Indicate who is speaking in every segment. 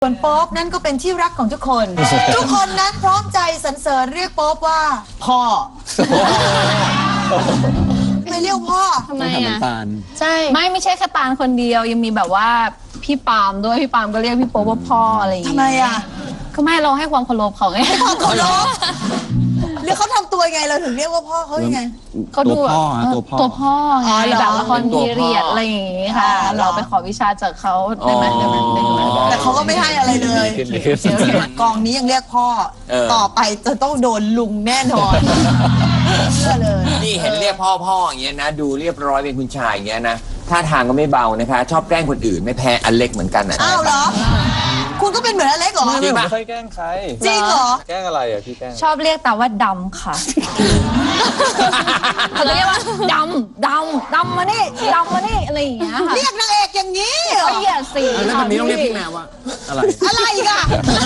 Speaker 1: ส่วนโป๊ปนั่นก็เป็นที่รักของทุกคน ทุกคนนั้นพร้อมใจสรรเสริญเรียกโป๊ปว่าพ่อ ไม่เรียกพ่อ
Speaker 2: ทำไมอ่ะใช่
Speaker 3: ไม่ใช่แค่ตาลคนเดียวยังมีแบบว่าพี่ปาล์มด้วยพี่ปาล์มก็เรียกพี่โป๊ปว่าพ่ออะไรอย่างเงี้ย
Speaker 1: ทำไมอ่ะ
Speaker 3: ก็ไม่เราให้ความเคารพเขาไง
Speaker 1: ความเคารพหรือเขาทำตัวยังไงเราถึงเรียกว่าพ่อเขายังไง
Speaker 3: เขาดูแบบตัวพ่อไง
Speaker 1: อ๋อเหรอ
Speaker 3: แบบละครพีเรียดอะไรอย่างงี้ค่ะ
Speaker 1: อ๋อเหรอ
Speaker 3: เราไปขอวิชาจากเขาได้ไหม
Speaker 1: แต่เขาก็ไม่ให้อะไรเลยกองนี้ยังเรียกพ่อ ต่อไปจะต้องโดนลุงแน่นอนเชื่อเลย
Speaker 4: นี่เห็นเรียกพ่ออย่างเงี้ยนะดูเรียบร้อยเป็นคุณชายอย่างเงี้ยนะท่าทางก็ไม่เบานะคะ ชอบแกล้งคนอื่นไม่แพ้อเล็กเหมือนกันนะ
Speaker 1: อ้าวเหรอ คุณก็เป็นเหมือนอเล็กเหรอ
Speaker 4: จริงปะ
Speaker 5: ไม่ค่อยแกล้งใคร
Speaker 1: จริงเหรอ
Speaker 5: แกล้งอะไรอ่ะพี่แกล้ง
Speaker 3: ชอบเรียกแต่ว่าดำค่ะเขาจะเรียกว่าดำมานี่อะไรอย่างเงี้ยค่ะ
Speaker 1: เรียกนางเอกอย่างนี้เหรอ
Speaker 3: ก็เหยียดสี
Speaker 4: แล้วแบบนี้ต้องเรียกพี่แมวว่าอะไร
Speaker 1: อะไรอีกอะ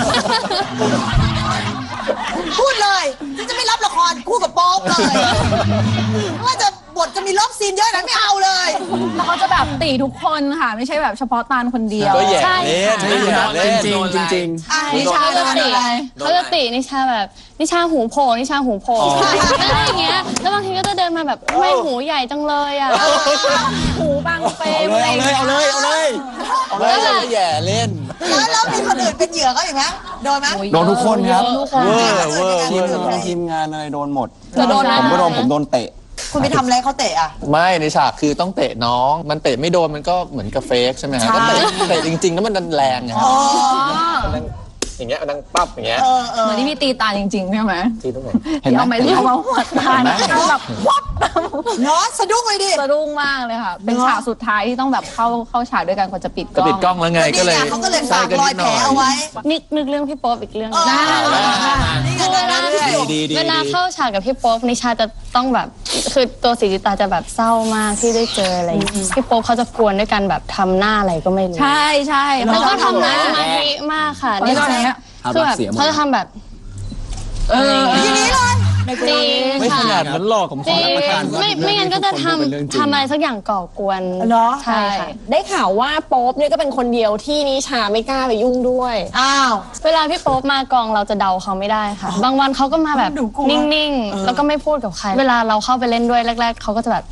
Speaker 1: พูดเลยฉันจะไม่รับละครคู่กับโป๊ปเลยว่าจะบทจะมีรอบซีนเยอะนั้นไม่เอาเลย
Speaker 3: แล้วเขาจะแบบตีทุกคนค่ะไม่ใช่แบบเฉพาะตาลคนเดียว
Speaker 5: ก็แย่
Speaker 2: ใช่
Speaker 5: เล่นไม่แย่เล่น
Speaker 4: จริง
Speaker 1: อ่ะ
Speaker 2: นิชา
Speaker 1: โด
Speaker 2: จะ
Speaker 1: น
Speaker 2: ติ
Speaker 1: อะไร
Speaker 2: เขาจะตินิชาแบบนิชาหูโผล่นิชาหูโผล่อะไรอย่างเงี้ยแล้วบางทีก็จะเดินมาแบบทำไมหูใหญ่จังเลยอ่ะ
Speaker 3: หูบางเฟรม
Speaker 5: เอาเลยแย่เล่น
Speaker 1: แล้วมีคนอื่นเป็นเหยื่อเขาอย่างนั้นโดนไหม
Speaker 5: โดนทุกคนครับ
Speaker 1: เว
Speaker 5: เว
Speaker 1: อ
Speaker 5: อ
Speaker 1: ร์
Speaker 5: ร์ทีมงานอะไรโดนหมด
Speaker 3: จะโดน
Speaker 5: ผมก็โดนผมโดนเตะ
Speaker 1: คุณไปทำอะไรเขาเตะอ่ะ
Speaker 6: ไม่ในฉากคือต้องเตะน้อง มันเตะไม่โดนมันก็เหมือนกับเฟกใช่ไหมฮะ
Speaker 1: ใช่
Speaker 6: ก็เตะจริงๆแล้วมันดันแรงไงฮะ
Speaker 1: อ๋อ
Speaker 6: อย่างเงี้ยมันดังปั๊บอย่างเงี้ย
Speaker 3: เหมือนที่พี่ตีตาจริงๆใช่ไหม
Speaker 6: ที่ตรงไหน
Speaker 5: เห็นไหม
Speaker 3: เอาไม้เรียวมาหัวตาแบบวับ
Speaker 1: เนาะสะดุ้งเลยดิ
Speaker 3: สะดุ้งมากเลยค่ะ เป็นฉากสุดท้ายที่ต้องแบบเข้าฉากด้วยกันก่อนจะปิดก
Speaker 6: ก็
Speaker 3: ล้อง
Speaker 6: ปิดกล้องแล้วไงก็เลย
Speaker 1: นี่ไงเขาก็เลยฝากรอยแผลเอาไว้
Speaker 2: นึกเรื่องพี่โป๊ปอีกเรื่องหนึง
Speaker 1: นี่ไงเดินหน้าเรื่อย
Speaker 2: เวลาเข้าฉากกับพี่โป๊ปนิชาจะต้องแบบคือตัวศรีจิตาจะแบบเศร้ามากที่ได้เจออะไรอย่างเงี้ยพี่โป๊ปเขาจะกวนด้วยกันแบบทำหน้าอะไรก็ไม่รู้
Speaker 3: ใช่
Speaker 2: แล้วก็ทำหน้าสมาธิมากค่ะ
Speaker 3: นี่ก็อย่างเงี้ย
Speaker 2: คือแบบเขาจะทำแบบ
Speaker 1: ทีนี้เลย
Speaker 2: จริง
Speaker 6: ไม่ข
Speaker 2: ค่ะ
Speaker 6: นาดนั้นหรอกผม
Speaker 2: จ
Speaker 6: ขอ
Speaker 2: ริง
Speaker 6: รับประกัน
Speaker 2: ไม่งั้นก็จะทำอะไรสักอย่างก่อกวน
Speaker 1: เหรอ
Speaker 2: ใช่ค่ะ
Speaker 7: ได้ข่าวว่าโป๊ปเนี่ยก็เป็นคนเดียวที่นิชาไม่กล้าไปยุ่งด้วย
Speaker 1: อ้าว
Speaker 2: เวลาพี่โป๊ปมากองเราจะเดาเขาไม่ได้ค่ะ บางวันเขาก็มาแบบ
Speaker 1: หนูกลัว
Speaker 2: นิ่งๆ แล้วก็ไม่พูดกับใคร เวลาเราเข้าไปเล่นด้วยแรก ๆเขาก็จะแบบ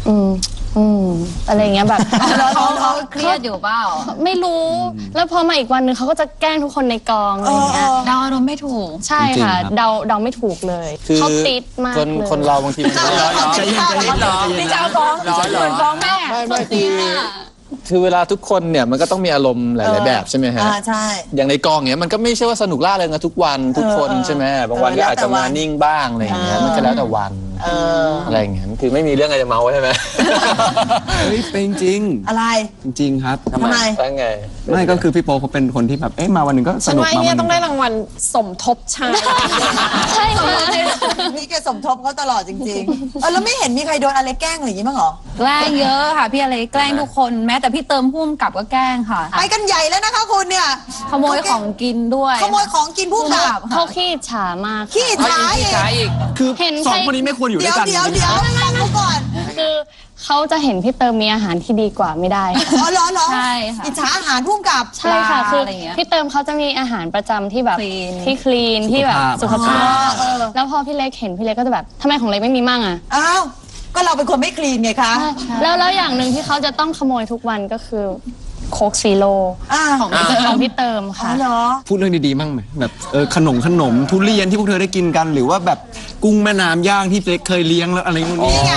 Speaker 2: อะไรอย่างเงี้ยแบบ
Speaker 3: แล้วเขาเครียดอยู่เปล่า
Speaker 2: ไม่รู้ แล้วพอมาอีกวันหนึ่งเขาก็จะแกล้งทุกคนในกองอะไรอย่างเงี้ย
Speaker 3: เดาอารมณ์ไม่ถูก
Speaker 2: ใช่ค่ะ เดาไม่ถูกเลย
Speaker 6: คือ
Speaker 2: เขาติดมาก
Speaker 6: คน
Speaker 2: เลย
Speaker 6: คนเราบางทีมันไม่ได้
Speaker 1: ใจเย็นใจเย็น
Speaker 3: นี่จะเอาฟ้องเหมือนฟ้องแม่
Speaker 6: ไม่คือเวลาทุกคนเนี่ยมันก็ต้องมีอารมณ์หลายๆแบบใช่ไหมฮะ
Speaker 1: ใช่
Speaker 6: อย่างในกองเนี้ยมันก็ไม่ใช่ว่าสนุกล่าเริงกันทุกวันทุกคนใช่ไหมบางวันก็อาจจะมานิ่งบ้างอะไรอย่างเงี้ยมันก็แล้วแต่วันอะไรอย่างเงี้ยคือไม่มีเรื่องอะไรจะเมาใช่ไหม
Speaker 5: เฮ้ยเป็นจริง
Speaker 1: อะไร
Speaker 5: จริงครับ
Speaker 1: ทำไม
Speaker 6: แล้วไง
Speaker 5: ไม่ก็คือพี่โป๊ปเขาเป็นคนที่แบบมาวันหนึ่งก็ส
Speaker 7: ฉัน
Speaker 5: นุก
Speaker 7: ว่าไอ้
Speaker 5: มา
Speaker 7: เนี่
Speaker 5: วั
Speaker 7: ย
Speaker 5: นห
Speaker 7: ต้
Speaker 5: นึ่
Speaker 7: อง
Speaker 5: ง
Speaker 7: ได้รางวัลสมทบชาย
Speaker 2: ใช่ค่ะ
Speaker 1: นี่แกสมทบเขาตลอดจริงๆแล้วไม่เห็นมีใครโดนอะไรแกล้งอะไรอย่างงี้บ้างเหรอ
Speaker 3: แกล้งเยอะค่ะพี่อะไรแกล้งทุกคนแม้แต่พี่เติมพุ่มกับก็แกล้งค่ะ
Speaker 1: ไปกันใหญ่แล้วนะคะคุณเนี่ย
Speaker 3: ขโมยของกินด้วย
Speaker 1: ขโมยของกินผู้กับ
Speaker 2: เขาขี้ฉามาก
Speaker 1: ขี้ฉาอีก
Speaker 5: คือ
Speaker 2: เห็น
Speaker 5: สองคนนี้ไม่ควรอยู่ด้
Speaker 1: เดี๋
Speaker 5: วย ยว กัน
Speaker 1: เดี๋ยวเดี๋ยวฟังเขาก่อน
Speaker 2: คือเขาจะเห็นพี่เติมมีอาหารที่ดีกว่าไม่ได้ค่ะ
Speaker 1: อ๋อเหรอเหรอ
Speaker 3: ใช่ค่ะ
Speaker 1: อิจฉาอาหารผู้กับ
Speaker 2: ใช่ค่ะ คือ
Speaker 3: อะไรอย่างเงี้ย
Speaker 2: พี่เติมเขาจะมีอาหารประจำที่แบบ
Speaker 3: Clean
Speaker 2: ที่คลีนที่แบบสุขภาพ
Speaker 1: เออ
Speaker 2: แล้วพอพี่เล็กเห็นพี่เล็กก็จะแบบทำไมของเล็กไม่มีมั่งอ่ะ
Speaker 1: อ้าว ก็เราเป็นคนไม่คลีนไงคะ
Speaker 2: แล้วอย่างหนึ่งที่เขาจะต้องขโมยทุกวันก็คือโคกซีโร่
Speaker 3: ของ
Speaker 2: ของพี่เติม
Speaker 1: อ๋อ
Speaker 2: ค่ะ
Speaker 1: เหรอ
Speaker 5: พูดเรื่องดีๆมั่งไหมแบบขนมทุเรียนที่พวกเธอได้กินกัน หรือว่าแบบกุ้งแม่น้ำย่างที่เล็กเคยเลี้ยงแล้วอะไรนู่นนี่
Speaker 1: นี่ไง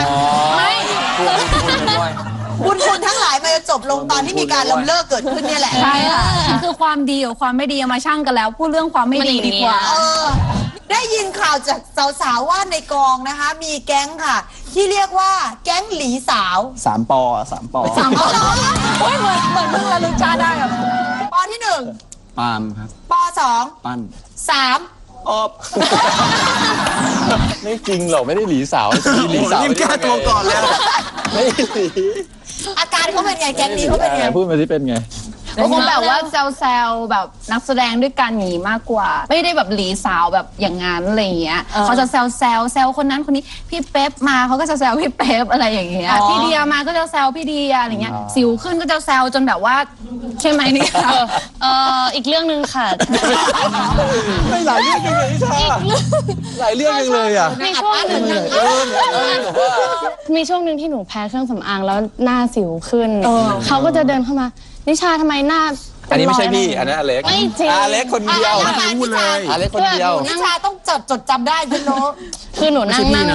Speaker 1: บุญคุณทั้งหลายมันจะจบลงตอนที่มีการล้มเลิกเกิดขึ้นเนี่ยแหละ
Speaker 3: ใช่ค่ะคือความดีกับความไม่ดีเอามาชั่งกันแล้ว พูดเรื่องความไม่ดีดีกว่า
Speaker 1: เออ ได้ยินข่าวจากสาวๆว่าในกองนะคะ มีแก๊งค่ะ ที่เรียกว่าแก๊งหลีสาว
Speaker 5: 3 ปอ
Speaker 3: โอ้ยเหมือนเพิ่งระลึกชาติได้แบบ
Speaker 1: ปอที่หนึ่ง
Speaker 5: ปาล์มครับ
Speaker 1: ปอสอง
Speaker 5: ปั้น
Speaker 1: สาม
Speaker 6: ไม่จริงหรอกไม่ได้หลีสาวมีหลีสาว
Speaker 5: รีบแก้ตัวก่อนแล้ว
Speaker 6: ไม่หลี
Speaker 1: อาการเขาเป็นไงแก๊งนี้เขาเป็นไง
Speaker 6: พูดมาสิเป็นไง
Speaker 3: ก็คงแบบว่าแซวๆแบบนักแสดงด้วยกันหนีมากกว่า ไม่ได้แบบหลีสาวแบบอย่างนั้นอะไรอย่างเงี้ยเขาจะแซวคนนั้นคนนี้พี่เป๊ปมาเขาก็จะแซวพี่เป๊ปอะไรอย่างเงี้ยพี่เดียมาก็จะแซวพี่เดียอะไรเงี้ยสิวขึ้นก็จะแซวจนแบบว่าใช่ไหมเนี่ย
Speaker 2: อีกเรื่องหนึ่งค่ะ
Speaker 6: ไม่หลายเรื่องจังเลยนิชาหลายเรื่องจังเลยอ่ะ
Speaker 2: มีช่วงหนึ่งมีช่วงหนึ่งที่หนูแพ้เครื่องสำอางแล้วหน้าสิวขึ้นเขาก็จะเดินเข้ามานิชาทำไมหน้า
Speaker 6: อันนี้ไม่ใช่พี่อันนั้นอเล็ก
Speaker 2: ไม่จริง
Speaker 6: อเล็กคนเดียว
Speaker 5: พูดเลย
Speaker 6: อเล็กคนเดียว
Speaker 1: นิชาต้องจดจำได้คุณรู้
Speaker 2: คือหนูนั่ง
Speaker 5: ไม่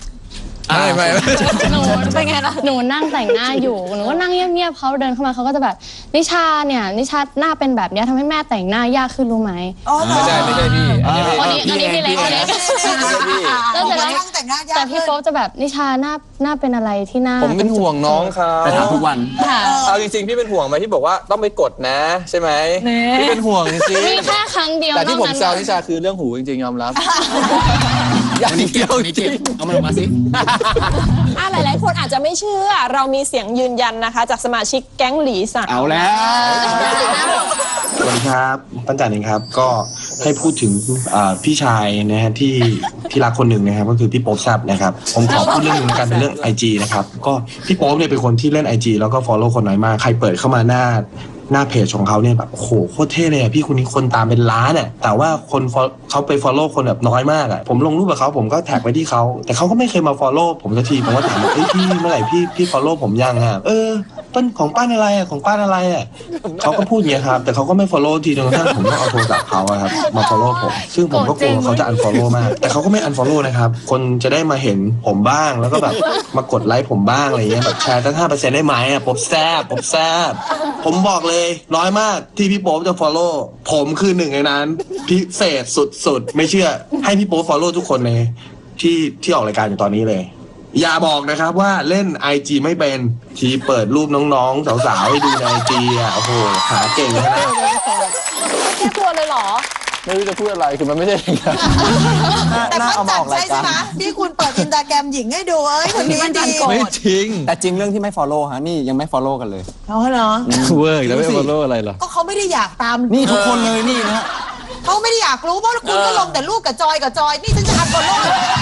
Speaker 2: หนูเป็นไงล่ะหนูนั่งแต่งหน้าอยู่หนูก็นั่งเงียบๆเขาเดินเข้ามาเขาก็จะแบบนิชาเนี่ยนิชาหน้าเป็นแบบเนี้ยทำให้แม่แต่งหน้ายากขึ้นรู้ไหม
Speaker 6: ไม่ใช่พี่อันนี้
Speaker 2: อันนี้พี่เล็กแล้วเสร็จแล้ว
Speaker 1: แต่งหน้ายาก
Speaker 2: แต่พี่โป๊ปจะแบบนิชาหน้าเป็นอะไรที่หน้า
Speaker 6: ผมเป็นห่วงน้องเขา
Speaker 5: ไปถามทุกวัน
Speaker 2: ค่ะ
Speaker 6: เอาจริงๆพี่เป็นห่วงไหมที่บอกว่าต้องไปกดนะใช่ไหมพี่เป็นห่วงจริง
Speaker 2: มีแค่ครั้งเดียว
Speaker 6: แต่ที่ผม
Speaker 2: นอก
Speaker 6: แซ
Speaker 2: นั้น
Speaker 6: วนิชาคือเรื่องหูจริงๆยอมรับ
Speaker 5: อันนี้เก็บอันนี้เก็บเอามันออกมาสิ
Speaker 7: หลายๆคนอาจจะไม่เชื่อ เรามีเสียงยืนยันนะคะ จากสมาชิกแก๊งหลีสัง
Speaker 5: เอาแล้ว
Speaker 8: สวัสดีครับปั้นจันเองครับก็ให้พูดถึงพี่ชายนะฮะที่รักคนหนึ่งนะครับก็คือพี่โป๊ปแซบนะครับผมขอพูดเรื่องหนึงแล้วกันเป็นเรื่อง IG นะครับก็พี่โป๊ปเนี่ยเป็นคนที่เล่น IG แล้วก็ follow คนน้อยมากใครเปิดเข้ามาหน้าเพจของเขาเนี่ยแบบโอ้โหโคตรเท่เลยอะพี่คนนี้คนตามเป็นล้านอะแต่ว่าคนเขาไป follow คนแบบน้อยมากอะผมลงรูปกับเขาผมก็แท็กไปที่เขาแต่เขาก็ไม่เคยมา follow ผมสักทีผมก็ถามว่าเฮ้ยพี่เมื่อไหร่พี่ follow ผมยังอะปั้นของป้านอะไรอะของป้านอะไรอะเขาก็พูดอย่างเงี้ยครับแต่เขาก็ไม่ follow ทีจนกระทั่งผมต้องเอาโทรศัพท์เขาอะครับมา follow ผมซึ่งผมก็กลัวเขาจะ unfollow มากแต่เขาก็ไม่ unfollow นะครับคนจะได้มาเห็นผมบ้างแล้วก็แบบมากดไลค์ผมบ้างอะไรเงี้ยแบบแชร์ตั้ง 5% ได้ไหมอะผมแซบผมบอกเลยน้อยมากที่พี่โป๊ปจะ follow ผมคือหนึ่งในนั้นพิเศษสุดๆไม่เชื่อให้พี่โป๊ป follow ทุกคนเลยที่ออกรายการอยู่ตอนนี้เลยอย่าบอกนะครับว่าเล่น IG ไม่เป็นที่เปิดรูปน้องๆสาวๆให้ดูใน IG อ่ะโอ้โหหาเก่งนะ
Speaker 7: แค่ตัวเลยเหรอ
Speaker 6: ไม่รู้จะพูดอะไรคือมันไม่ใช่อย่างนั้น
Speaker 1: แต่ปั้นจันใช่ไหมที่คุณเปิดอินสตาแกรมหญิงให้ดูคนนี้ดี
Speaker 6: ไม่จริง
Speaker 5: แต่จริงเรื่องที่ไม่ follow ฮะนี่ยังไม่ follow กันเลย
Speaker 1: เขาเหรอ
Speaker 6: เวิร์กแล้วไม่ follow อะไรหรอ
Speaker 1: ก็เขาไม่ได้อยากตาม
Speaker 5: นี่ทุกคนเลยนี่นะ
Speaker 1: เขาไม่ได้อยากรู้เพราะคุณก็ลงแต่รูปกับจอยนี่ฉันจะอันฟอลโล่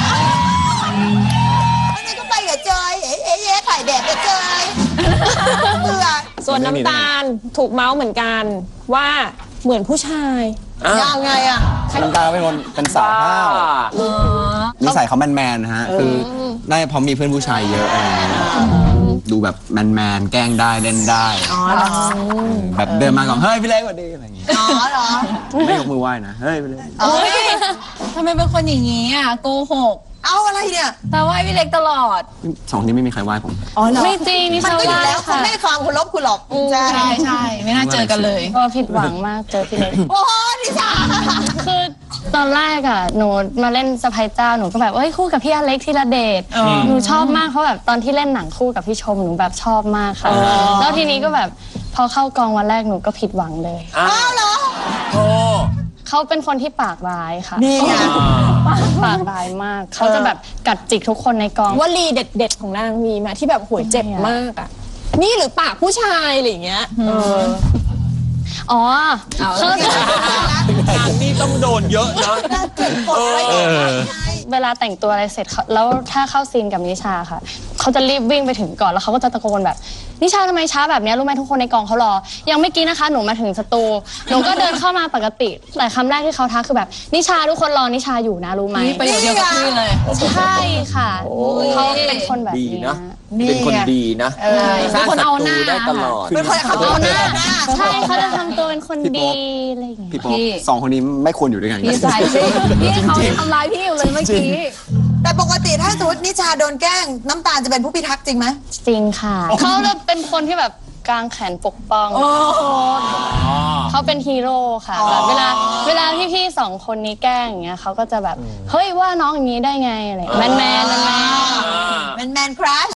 Speaker 1: แล้วนี่ก็ไปกับจอยถ่ายแบบกับจอยเบื่อ
Speaker 7: ส่วนน้ำตาลถูกเมาส์เหมือนกันว่าเหมือนผู้ชาย
Speaker 1: ยังไงอะ
Speaker 5: น้ำตาเป็นคนเป็นสาวห้าวนิสัยเขาแมนๆนะฮะคือน่าจะเพราะมีเพื่อนผู้ชายเยอะอะไรอย่างเงี้ยดูแบบแมนแกล้งได้เล่นได้
Speaker 1: เหรอ
Speaker 5: แบบเดินมาก่อนเฮ้ยพี่เล็กสวัสดีอะไรอย่างเงี้ย
Speaker 1: เหรอ
Speaker 5: ไม่ยกมือไหว้นะเฮ้ยพี่เล็ก
Speaker 3: เฮ้ยทำไมเป็นคนอย่างนี้อ่ะโกหก
Speaker 1: เอาอะไรเนี่ย
Speaker 3: แต่ว่าพี่เล็กตลอด
Speaker 5: สองคนนี้ไม่มีใครไหว้ผม
Speaker 2: ไม่จริงนิ
Speaker 1: มัน
Speaker 2: ชา
Speaker 1: ก็อยู่
Speaker 2: ว่า
Speaker 1: แล้วคุณ
Speaker 2: ค่ะ
Speaker 1: ไม่ได้ความเคารพคุณหรอกใช่
Speaker 3: ใช่ไม่น่าเจอกันเลย
Speaker 2: ก็ผิดหวังมากเจอพี่เล็ก
Speaker 1: โอ้นิชา
Speaker 2: คือตอนแรกอะหนูมาเล่นสะพายเจ้าหนูก็แบบเอ้ยคู่กับพี่อเล็กธีรเดชหนูชอบมากเพราะแบบตอนที่เล่นหนังคู่กับพี่ชมหนูแบบชอบมากค่ะแล้วทีนี้ก็แบบพอเข้ากองวันแรกหนูก็ผิดหวังเลย
Speaker 1: อ้าวเหรอ
Speaker 4: โอ้
Speaker 2: เขาเป็นคนที่ปากร้ายค่ะ
Speaker 1: นี่ไง
Speaker 2: ปากร้ายมากเขาจะแบบกัดจิกทุกคนในกอง
Speaker 7: วลีเด็ดๆของนางมีมาที่แบบหวยเจ็บมากอ่ะ นี่หรือปากผู้ชายอะไรอย่างเงี้ย
Speaker 2: อ๋อเขาจะ
Speaker 4: ทางนี้ต้องโดนเยอะนะ
Speaker 1: น่าเกลียดกดไว้ก่อน
Speaker 2: เวลาแต่งตัวอะไรเสร็จแล้วถ้าเข้าซีนกับนิชาค่ะเขาจะรีบวิ่งไปถึงก่อนแล้วเขาก็จะตะโกนแบบนิชาทำไมช้าแบบนี้รู้ไหมทุกคนในกองเขารอยังไม่อกี้นะคะหนูมาถึงสตูหนูก็เดินเข้ามาปกติแต่คำแรกที่เขาทักคือแบบนิชาทุกคนรอนิชาอยู่นะรู้ไหม
Speaker 3: นี่ประโยคเดียวกับพี่เลย
Speaker 2: ใช่ค่ะเขาเป็นคนแบบ
Speaker 4: ดี
Speaker 2: นี้
Speaker 4: นะ เป็นคนดีนะสร้างศัตรูได้ตลอด
Speaker 1: เป็นคนเขาเอาหน้า
Speaker 2: ใช่เขาจะทำตัวเป็นคนดีอะไรอย่างเงี้ย
Speaker 5: พี่โป๊ปสองคนนี้ไม่ควรอยู่ด้วยกัน
Speaker 3: พี่สายสิพี่เขาทำร้ายพี่อยู่เลยเมื่อกี้
Speaker 1: แต่ปกติถ้าสมมตินิชาโดนแกล้งน้ำตาลจะเป็นผู้พิทักษ์จริงไหม
Speaker 2: จริงค่ะเขาจะเป็นคนที่แบบกางแขนปกป้องเขาเป็นฮีโร่ค่ะแบบเวลาพี่ๆสองคนนี้แกล้งอย่างเงี้ยเขาก็จะแบบเฮ้ยว่าน้องอย่างนี้ได้ไงอะไรแมน
Speaker 1: แมนครัช